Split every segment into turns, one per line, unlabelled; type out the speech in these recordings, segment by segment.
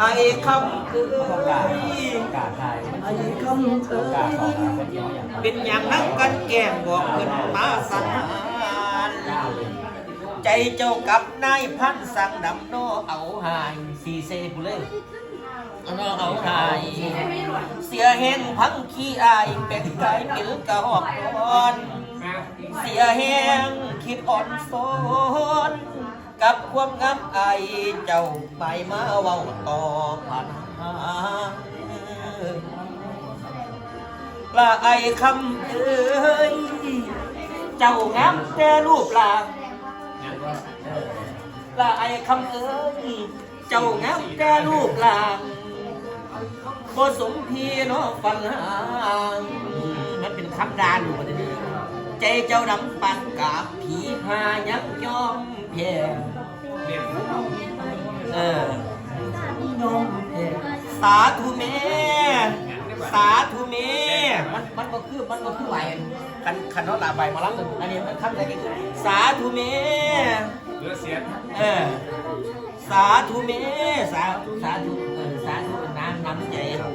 ไอ้คำเอ้ย
กาไทย
ไอ้คำเอ้
กาสอง
ยเป็นอย่างนั้นกันแก้มบอกเพิ่นมาสั่งใจเจ้ากับนายพันสั่งดำนอเอาหายสีเซกูเลยนอเอาหายเสียแห้งพังขี้อายเป็นกายเป็นกระหอบอ่อนเสียแห้งคิดอ่อนโซนกับความงามไอเจ้าไปมาเว้าต่อผ่านหาละไอคำเอ้ยเจ้างามแต่รูปร่างละไอคำเอ้ยเจ้างามแต่รูปร่างบ่สมพี่น้องฟังหางมันเป็นคำด่าลูกมันนี่ใจเจ้าดำปันกับผีพายักยอมแพ้สาธุแม่สาธุแม่มันก็คือไหวคันเขาลาใบมารับกันอันนี้มันคำอะไรกันสาธุแม่เลือเสียสาธุแม่สาธุสาธุน้ำใจ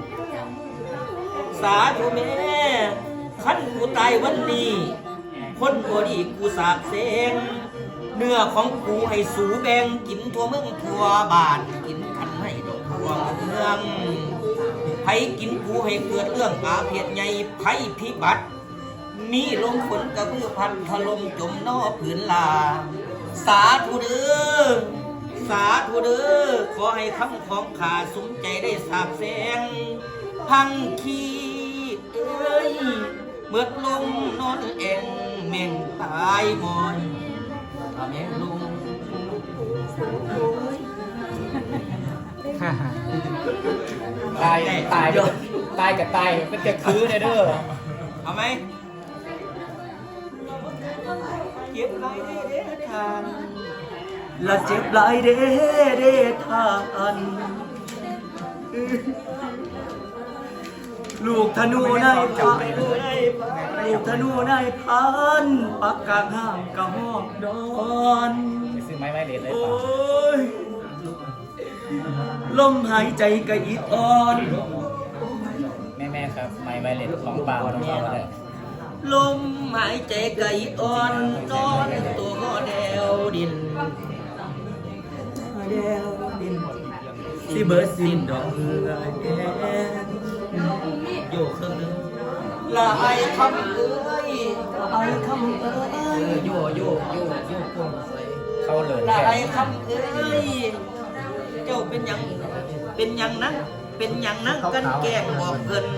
สาธุแม่ขันกูตายวันนี้คนบ่ดีกูสาบเสงเนื้อของกูให้สูแบ่งกินทั่วเมืองทั่วบ้านกินขันให้ดอกทั่วเมืองไผกินกูให้เกิดเรื่องอาเพศใหญ่ไผพิบัติมีลมฝนกระพือพันถล่มจมนอผืนลาสาธุเด้อสาธุเด้อขอให้คำของข้าสมใจได้สาบแสงพังขี้เอ้ยเมื่อลงนอนเองแม่งตายมอนแม่งลง
ตายกับตายมันจะคือเด้อ
เอาไหมเจ็บไรเด้ทานละเจ็บไรเด้ทานลูกธนูนายพันลูกธนูนายพันปักกลางห้ามกระหอบนอน
ซื้อไม้เด็ดเลย
โอ้ยลมหายใจกระยิดอ่อน
แม่ครับไม้เด็ดของเปล่าต้องเอาเลย
ลมหายใจกระยิดอ่อนนอนตัวก็แดวดินสิเบิร์ดสิ้นดอกเหือแดงโยกเครื่องนึงละไอคำเอ้ยไอคำเอ้ยโยกงใส่
เข้าเลย
ละไอคำเอ้ยเจ้าเป็นยังนั้นกันแกล้งบอกเพิ่น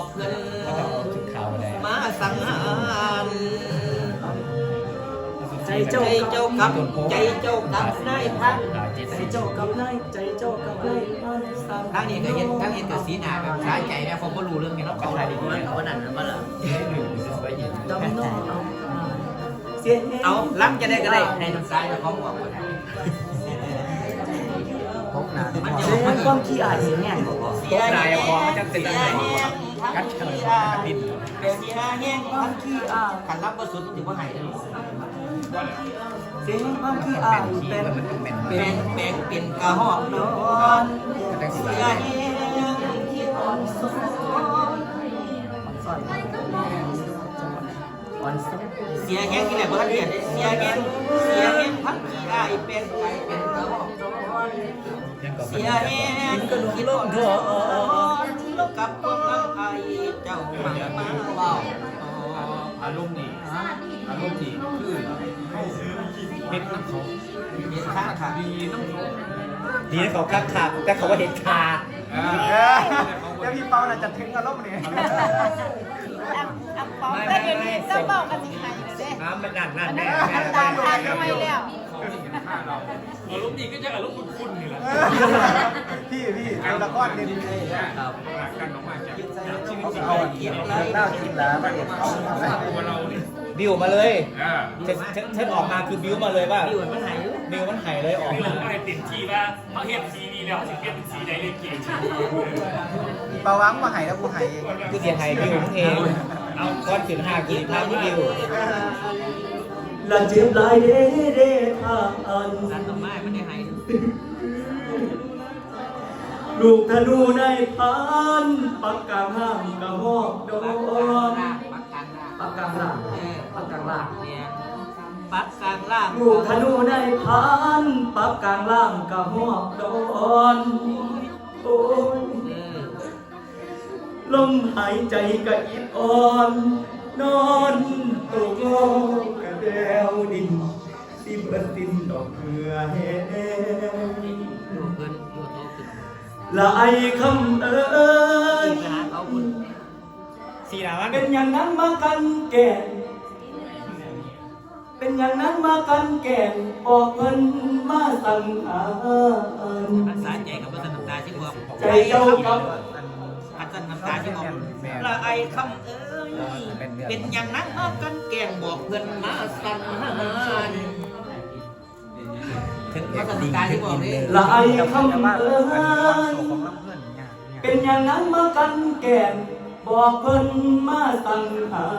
มาสังหารใจเจ้ากับนายพันใจเจ้ากับนายทางนี้ก็เห็นกับสีหน้าแบบช้าใจนะผมก็รู้เรื่องนี้เนาะเขาได้ดีด้วยเขานั่นว่าล่ะเอาล้ำจะได้ก็ได้ในทางซ้ายแล้วเขาบอกว่ามันจะมันความขี้อายเสียแห้งเสียแห้งมันจะติดอะไรกันเฉยดินเสียแห้งความขี้อายขันรับก็สุดถือว่าหายเลยเสียงความขี้อายเป็นกระหอบนอนเสียแห้งที่อ่อนซ้อนเสียแห้งที่ไหนบ้างเนี่ยเสียแห้งพักขี้อายเป็นกระหอบนอนเสียแห้งที่ลมทอนกับความงามไอเจ้ามาเบา
อารมณ์ดีคือเห็นน้ำเขา
ค่ะ
ดีน้ำเขาคักแต่เขาว่าเห็นคา
แล้วพี่เปาน่ะจะถึงอารมณ์เนี่ย
ไม่จะบอกกันยังไงเด้
มันนั่นแน่
ตามทางทำไมแล้ว
อารมณ์ดีก็จะอารมณ์คุ้นๆนี่แหละ
พี่ไอ้ละก้อนนี่
กันออกมาจาก
เอาเก็บเล่ากินแล้วมาเก็บ
ตัวเราบิวมาเลยฉันออกมาคือบิวมาเลยว่าบิวมันหายเลยออกมา
ไม่ติดทีว่าเขาเห็นสีนี้แล้วถึงเห็นสีไหนเลยเก่ง
ปาวังมาหายแล้วกูหายเอง
คือเสียหายบิวเองเอาก้อนถึง5กิโลภาพที่บิว
ละเจ็บหลายเด้ทานนั่นต่อมาไม่ได้หายล
ลูกธนูได้พันปักกลางห้างกระหอกโดนปักกลางล่างปักกลางล่าง
เนี่ยปักกลางล่าง
ลูกธนูได้พันปักกลางล่างกระหอกโดนโอ้ยลมหายใจกระอิดอ่อนนอนตกโลกกระเดวดินสิเบิดดินดอกเกลือแห้ง
อยู่เกินอยู่โตขึ้น
ละไอคำเอ้ย
ไปหาเขาคุณ
สี่ดาวัน
เป็นอย่างนั้นมากันแก่นเป็นอย่างนั้นมากันแก่นบอกเพิ่นมาสั่งหา
รักษาใจกับวัฒนตาที่บอก
ใจเจ้ากับ
อัศน้ำตาที่บอกละไอคำเอ้ยเป็นอย่างนั้นมากันแกงบอกเพื่อนมาสั่งหาวัฒนตาที่บอกนี่
ละไอคำเอ้ยเป็นอย่างนั้นมากันแก่นบอกเพิ่นมาสั่งหา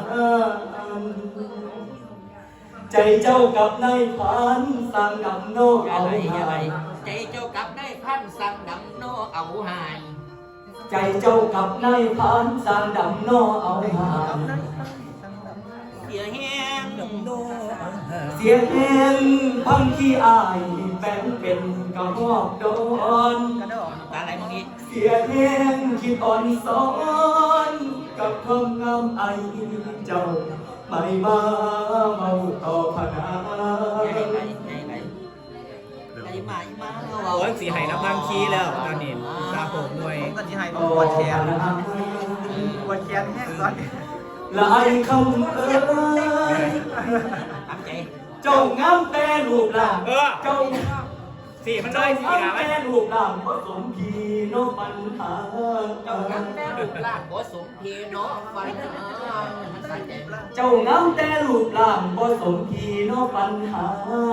ใจเจ้ากับนายพันสั่งดำโน
อย่า
เอา
ไรอย่าไร
หาย
ใจเจ้ากับได้พันสั่งดำโนเอาหาย
ใจเจ้ากับนายพันสั่งดำโนเอาหาย
เสียแห้งดำโน
เสียงเองพังขี้อายแปลงเป็นกระหอกโดน
ตาไหลมองอีก
เสียเองคิดอ่อนสอนกับความงามไอเจ้าไม่มาเมาต่อพนา
ใหญ่ไหลใหญ่ไหลใหญ่มาอีมา
โอ้ยสีไห้น้ำพังคีแล้วตอนนี้ตาผมหน่วย
ก็ที่ให้ปวดแขนปวดแขนแห้งก่อนละไอคำเอ้ย
ทำใจ
เจ้างามแต่ลูกหลานเจ้า
สี่มันน้อยสี่ดาวัน
แม่ลูกหลานผสมพีโนปัญหา
เจ้ากันแม่ลูกหลานบ่สมเพเนาะฟันมันสั่นใจ
เจ้างามแต่ลูกหลานผสมพีโนปัญหา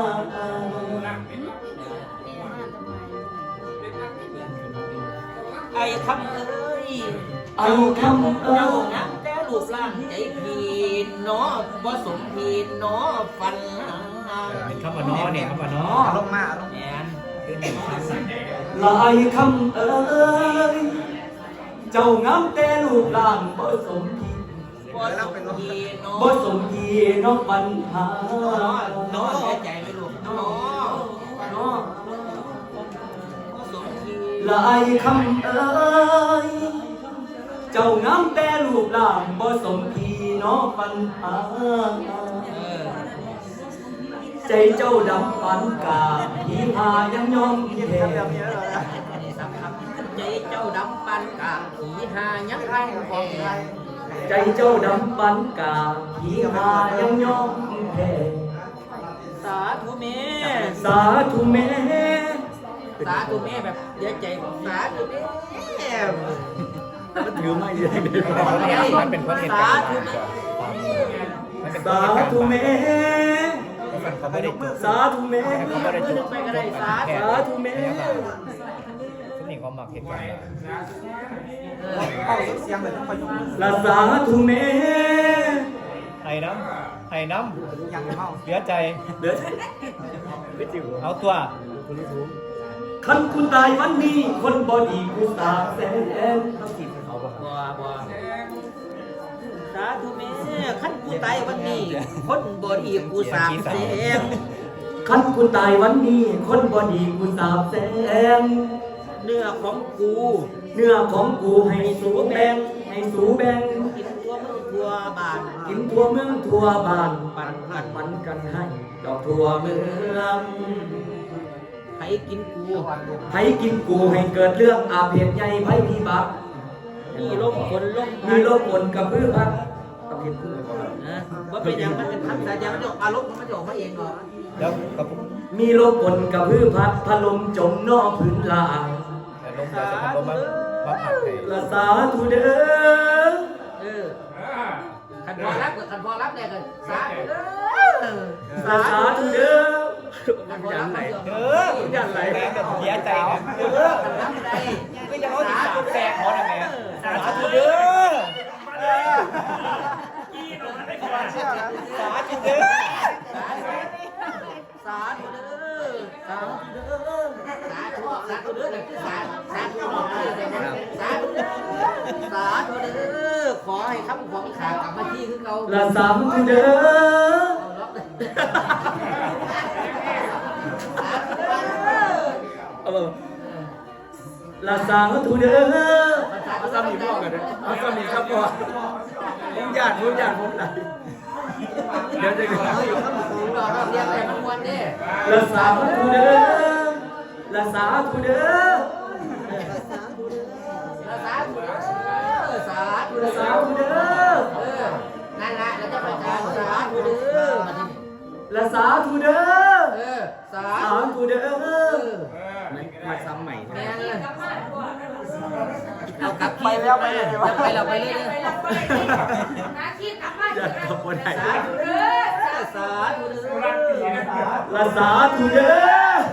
ไอ้คำเอ้ย
ไอ้คำเอ้
เจ้าย นักแต่ลูกหลานใจพีเนาะบ่สมพีเนาะฟัน
เป็นคำว่าน้อเนี่ยคำว่าน้อ
ลงมา
แอน
ลายคำเอ้ยเจ้างามแต่ลูกหลานผสมพี
บ่สมพีเนาะ
ผสมพีโนปัญหา
เนาะเสียใจไหมลูกเนาะ
เนาะ
บ่สมพี
ลายคำเอ้ยเจ้างามแต่ลูกหลานผสมพีโนปัญหา ใจเจ้าดำปันกาผีพายังยอมแพ้
ใจเจ้าดำปันกาผีหายังไงของไง
ใจเจ้าดำปันกาผีพายังยอมแพ้
สาธุแม่
สาธุแม่
สาธุแม่แบบเสียใจสาธุแม่
มันถือไม่ได้
มันเป็นคนเหตุ
สา
การณ์
ธุแม่
มันเป็น
สาธุแม่
เขาไม่ได้
สาธุแม่
เขาไม่ได้จุด
ไปก็ได้สาธุ
สาธุแม่
ทุกนี่เขาหมักเหตุการณ์
ละสาธุแม่
ไห้น้ำเหลือใจ
เดี๋ยว
เอาตัว
คันคุณตายวันนี้คนบอดีกูสาแสน
บัวสาธุแม่ขั้นกูตายวันนี้คนบ่ดีกูสาบแสง
คันคุณตายวันนี้คนบอดีกูสาแสน
เนื้อของกู
เนื้อของกูให้สูแบ่งให้สูแบ่ง
กินตัวมึงตัวบาน
กินทั่วเมืองทั่วบ้าน
ปันพัน
มันกันให้ดอกทั่วเมือง
ให้กินกู
ให้กินกูให้เกิดเรื่องอาเพศใหญ่ไพ่พิบัติ
มีลมฝนลม
มีโรคปนกับพืชพันธุ์ต้องเห็นพืชก่อน
นะว่าเป็นอย่างมันเป็นทักษะอย่างมันจะออกอารมณ์มันจะออกมาเองก่อน
แล้วกับ
มีโรคปนกับพืชพันธุ์พัดลมจมนอกพื้นลาง
ลมกับลมมาผักให้
ละสาธุเด้อ
ขันพอรับกับขันพอรับได้กันสาธุเด้อ
ละสาธุเด้อ
ขันพอรับได้
ยันไหลแม่แบบเสียใจนะ
ขันรับได้
ก็ยังเอาที่สามแสกเขาเนี่ยแม่สาธุเด้อสาธุเด้อ
สาธุเด้อสาธุเด้อสาธุเด้อสาธุเด้อสาธุสาธุเด้อขอให้คำของขากลับมาที่คือเขา
ละสาธุเด้อละสาธุเด้อเอาซ้ำอีกรอบกันเลยเอาซ้ำอีกครับพ่อผมหยาดผมไหลเดี๋ยวจะ
เขาอยู่ข้างหลังเราเรียกแต่ทุกวันเนี่ย
ละสาธุเด้อละสาธุเด้อ
สาธุเด้อสาธุเด้อ
ละสาธุเด้อ
นั่นแหละเราจะไปจานสาธุเด้อ
ละสาธุเด้อ
สา
สาธุเด้อ
มาซ้ำใหม่
แม่เลยเอากลับไปแล้วไปเลยไปเราไปเลย
นาคิดกลับบ้าน
อยากกลับวันไหน
สาธุเด้อสาธุเด้อ
ละสาธุเด้อ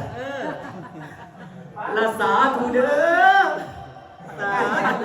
ละสาธุเด้อสาธุ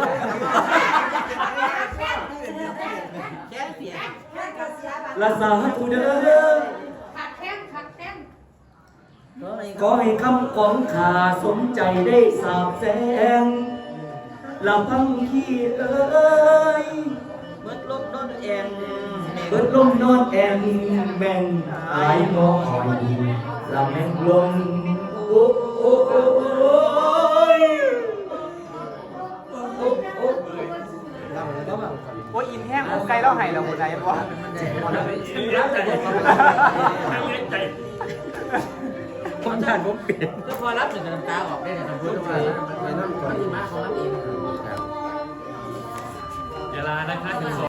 แค่เสีย
ละสาธุเด้อ
ขัดแข้งขัดแข้ง
ขอให้คำของข้าสมใจได้สาบแสงลำพังขี้เอ้ย
เมื่อลบโดนแอง
เบิดลมนอนแอนแม่งตายงอคอยลำแม่งลมโอ้โอ้โอ้โอ้ยโอ้โอ้
โอ้ยอินแห้งไกลแล้วไห้แล้วหัวใจบ่
รับแต่ผม
ความทานผมเปลี่ยน
ก็พอรับหนึ่งน้ำตาออกได้แต่ทำพูดว่ามันมาของรับเอง
เวลานะคะถึง